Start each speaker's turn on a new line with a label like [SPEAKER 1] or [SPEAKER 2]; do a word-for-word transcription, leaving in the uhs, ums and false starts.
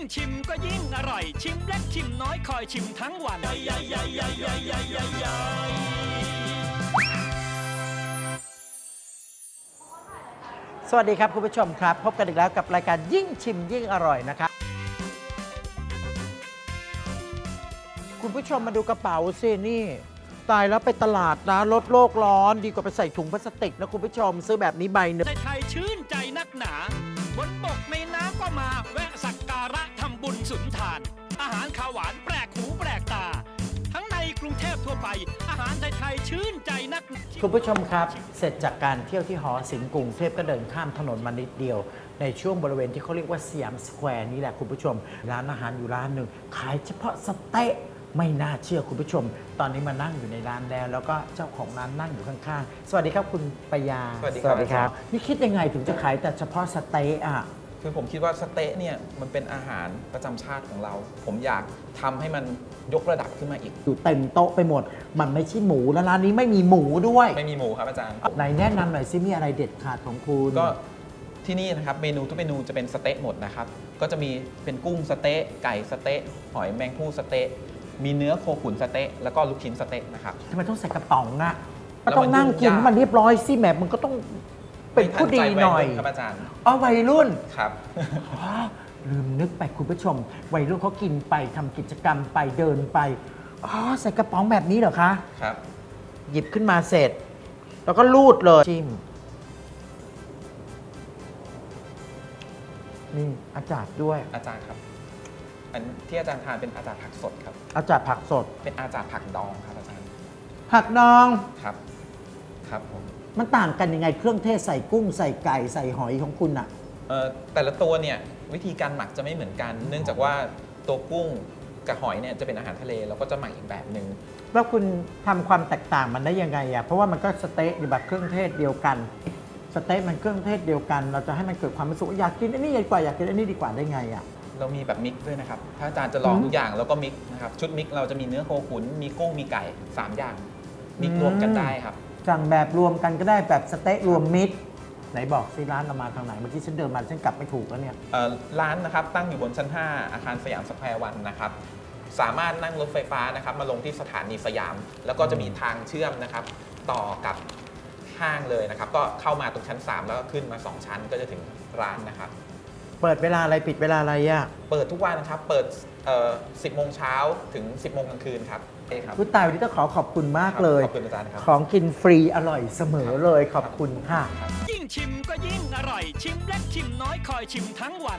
[SPEAKER 1] ชิมก็ยิ่งอร่อยชิมเล็กชิมน้อยคอยชิมทั้งวัน
[SPEAKER 2] สวัสดีครับคุณผู้ชมครับพบกันอีกแล้วกับรายการยิ่งชิมยิ่งอร่อยนะครับคุณผู้ชมมาดูกระเป๋าสินี่ตายแล้วไปตลาดนะลดโลกร้อนดีกว่าไปใส่ถุงพลาสติกนะคุณผู้ชมซื้อแบบนี้ใบหนึ่ง
[SPEAKER 1] ไทยชื่นใจนักหนาบนบกในน้ำก็มาแวะสักการะทำบุญสุนทานอาหารข้าวหวานแปลกหูแปลกตาทั้งในกรุงเทพทั่วไปอาหารไทยชื่นใจนัก
[SPEAKER 2] คุณผู้ชมครับเสร็จจากการเที่ยวที่หอศิลป์กรุงเทพก็เดินข้ามถนนมานิดเดียวในช่วงบริเวณที่เขาเรียกว่าสยามสแควร์นี่แหละคุณผู้ชมร้านอาหารอยู่ร้านหนึ่งขายเฉพาะสเต๊ะไม่น่าเชื่อคุณผู้ชมตอนนี้มานั่งอยู่ในร้านแล้วแล้วก็เจ้าของร้านนั่งอยู่ข้างๆสวัสดีครับคุณปยา
[SPEAKER 3] สวัสดีครับ
[SPEAKER 2] นี่คิดยังไงถึงจะขายแต่เฉพาะสเต๊ะอ่ะ
[SPEAKER 3] คือผมคิดว่าสเต๊ะเนี่ยมันเป็นอาหารประจำชาติของเราผมอยากทำให้มันยกระดับขึ้นมาอีก
[SPEAKER 2] อยู่เต็มโต๊ะไปหมดมันไม่ใช่หมูแล้วร้านนี้ไม่มีหมูด้วย
[SPEAKER 3] ไม่มีหมูครับอาจารย์
[SPEAKER 2] ไหนแนะนำหน่อยซิมีอะไรเด็ดขาดของคุณ
[SPEAKER 3] ก็ที่นี่นะครับเมนูทุกเมนูจะเป็นสเต๊ะหมดนะครับก็จะมีเป็นกุ้งสเต๊ะไก่สเต๊ะหอยแมงภู่สเต๊ะมีเนื้อโคขุนสเต๊ะแล้วก็ลูกชิ้นสเต๊ะนะครับ
[SPEAKER 2] ทำไมต้องใส่กระป๋องอ่ะก็ต้องนั่งกินมันเรียบร้อยสิแหมมันก็ต้องเป็นผู้ดีหน่อย
[SPEAKER 3] ครับอาจารย์
[SPEAKER 2] อ๋อวัยรุ่น
[SPEAKER 3] ครับ
[SPEAKER 2] ลืมนึกไปคุณผู้ชมวัยรุ่นเขากินไปทำกิจกรรมไปเดินไปอ๋อใส่กระป๋องแบบนี้เหรอคะ
[SPEAKER 3] ครับ
[SPEAKER 2] หยิบขึ้นมาเสร็จแล้วก็ลูดเลยจิ้มนี่อาจารย์ด้วย
[SPEAKER 3] อาจารย์ครับอันที่อาจารย์ทานเป็นอาจารย์ผักสดครับ
[SPEAKER 2] อาจารย์ผักสด
[SPEAKER 3] เป็นอาจารย์ผักดองครับอาจารย์
[SPEAKER 2] ผักดอง
[SPEAKER 3] ครับครับผม
[SPEAKER 2] มันต่างกันยังไงเครื่องเทศใส่กุ้งใส่ไก่ใส่หอยของคุณอะ
[SPEAKER 3] เอ่อแต่ละตัวเนี่ยวิธีการหมักจะไม่เหมือนกัน เนื่องจากว่าตัวกุ้งกับหอยเนี่ยจะเป็นอาหารทะเลเราก็จะหมักอีกแบบหนึ่ง
[SPEAKER 2] แล้วคุณทำความแตกต่างมันได้ยังไงอะเพราะว่ามันก็สเต๊ะแบบเครื่องเทศเดียวกันสเต๊ะมันเครื่องเทศเดียวกันเราจะให้มันเกิดความรู้สึกอยากกินอันนี้ดีกว่าอยากกินอันนี้ดีกว่าได้ไงอะ
[SPEAKER 3] เรามีแบบมิกซ์ด้วยนะครับถ้าอาจารย์จะลองทุกอย่างแล้วก็มิกซ์นะครับชุดมิกซ์เราจะมีเนื้อโคขุนมีกุ้งมีไก่สามอย่างมิกซ์รวมกันได้ครับ
[SPEAKER 2] สั่งแบบรวมกันก็ได้แบบสเต๊ะรวมมิตรไหนบอกสิร้านเรามาทางไหนเมื่อกี้ฉันเดินมาฉันกลับไม่ถูกแล้วเนี่ย
[SPEAKER 3] ร้านนะครับตั้งอยู่บนชั้นห้าอาคารสยามสแควร์วันนะครับสามารถนั่งรถไฟฟ้านะครับมาลงที่สถานีสยามแล้วก็จะมีทางเชื่อมนะครับต่อกับห้างเลยนะครับก็เข้ามาตรงชั้นสามแล้วก็ขึ้นมาสองชั้นก็จะถึงร้านนะครับ
[SPEAKER 2] เปิดเวลาอะไรปิดเวลาอะไรอ่ะ
[SPEAKER 3] เปิดทุกวันนะครับเปิดสิบโมงเช้าถึงสิบโมงกลางคืนครับ
[SPEAKER 2] คุณตายวันนี้ต้องขอขอบคุณมากเลย
[SPEAKER 3] ขอบคุณอาจารย์ครับ
[SPEAKER 2] ของกินฟรีอร่อยเสมอเลยขอบคุณค่ะ
[SPEAKER 1] ยิ่งชิมก็ยิ่งอร่อยชิมเล็กชิมน้อยคอยชิมทั้งวัน